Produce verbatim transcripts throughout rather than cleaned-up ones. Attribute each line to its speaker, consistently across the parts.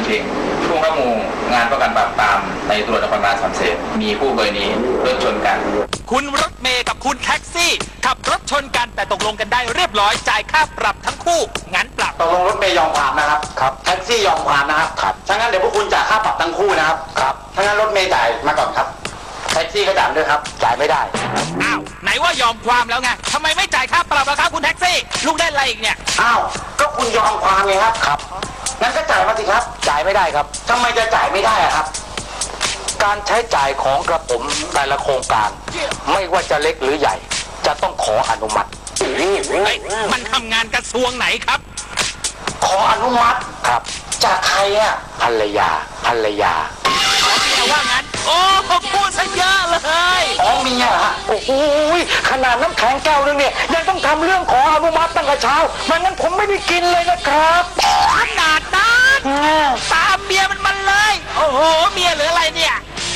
Speaker 1: เข่งผู้บังคับหมู่งานป้องกันปราบปรามในตำรวจนครบาลสามเสนมีผู้กรณีรถชนกัน
Speaker 2: คุณรถเมย์กับคุณแท็กซี่ขับรถชนกันแต่ตกลงกันได้เรียบร้อยจ่ายค่าปรับทั้งคู่งั้นปรับ
Speaker 3: ตกลงรถเมย์ยอมความนะครับครับแท็กซี่ยอมความนะครับครับถ้างั้นเดี๋ยวพวกคุณจ่ายค่าปรับทั้งคู่นะครับครับถ้างั้นรถเมย์จ่ายมาก่อนครับแท็กซี่ก็จ่ายด้วยครับจ่ายไม่ได้
Speaker 2: อ้าวไหนว่ายอมความแล้วไงทำไมไม่จ่ายค่าปรับล่ะครับคุณแท็กซี่ลูกได้อะไรอีกเนี่ย
Speaker 3: อ้าวก็คุณยอมความไงครับครับงั้นก็จ่ายมาสิครับจ่ายไม่ได้ครับทำไมจะจ่ายไม่ได้อะครับการใช้จ่ายของกระผมแต่ละโครงการไม่ว่าจะเล็กหรือใหญ่จะต้องขออนุมัติ
Speaker 2: มันทำงานกระทรวงไหนครับ
Speaker 3: ขออนุมัติครับจากใครอ่ะภรรยาภรรยา
Speaker 2: แต่ว่างั้นโอ้พูดซะเยอะเลย
Speaker 3: อ๋อเมียฮะโอ้โหขนาดน้ำแข็งแก้วนึงเนี่ยยังต้องทำเรื่องขออนุมัติตั้งแต่เช้าไม่งั้นผมไม่ได้กินเลยนะครับ
Speaker 2: ขนาดนั้นตามเมียมันมันเลยโอ้โหเมียหรืออะไรเนี่ย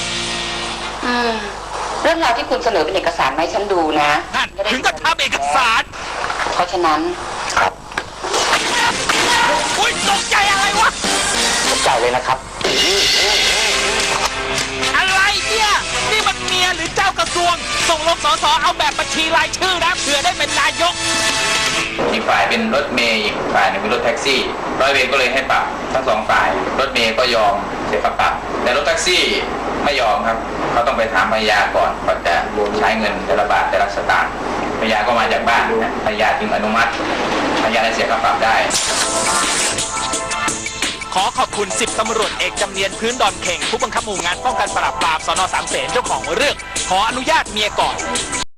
Speaker 4: เรื่องราวที่คุณเสนอเป็นเอกสารมาให้ฉันดูนะ
Speaker 2: ถึงกับทำเอกสาร
Speaker 4: เพราะฉะนั้น
Speaker 3: ครับ
Speaker 2: อุ้ยตกใจอะไรวะ
Speaker 3: ตกใจเลยนะครับ
Speaker 2: อะไรเนี่ยนี่มันเมียหรือเจ้ากระทรวงส่งลงสสเอาแบบบัญชีรายชื่อนะเผื่อได้เป็นนายก
Speaker 1: อีกฝ่ายเป็นรถเมย์อีกฝ่ายหนึ่งเป็นรถแท็กซี่ร้อยเวรก็เลยให้ปรับทั้งสองฝ่ายรถเมย์ก็ยอมเสียค่าปรับแต่รถแท็กซี่ไม่ยอมครับเขาต้องไปถามภรรยาก่อนก่อนจะใช้เงินแต่ละบาทแต่ละสตางค์ภรรยาก็มาจากบ้านภรรยาจึงอนุมัติภรรยาได้เสียค่าปรับได้
Speaker 2: ขอขอบคุณสิบตำรวจเอกจำเนียนพื้นดอนเข่งผู้บังคับหมู่งานป้องกันปราบปรามสน.สามเสนเจ้าของเรื่องขออนุญาตเมียก่อน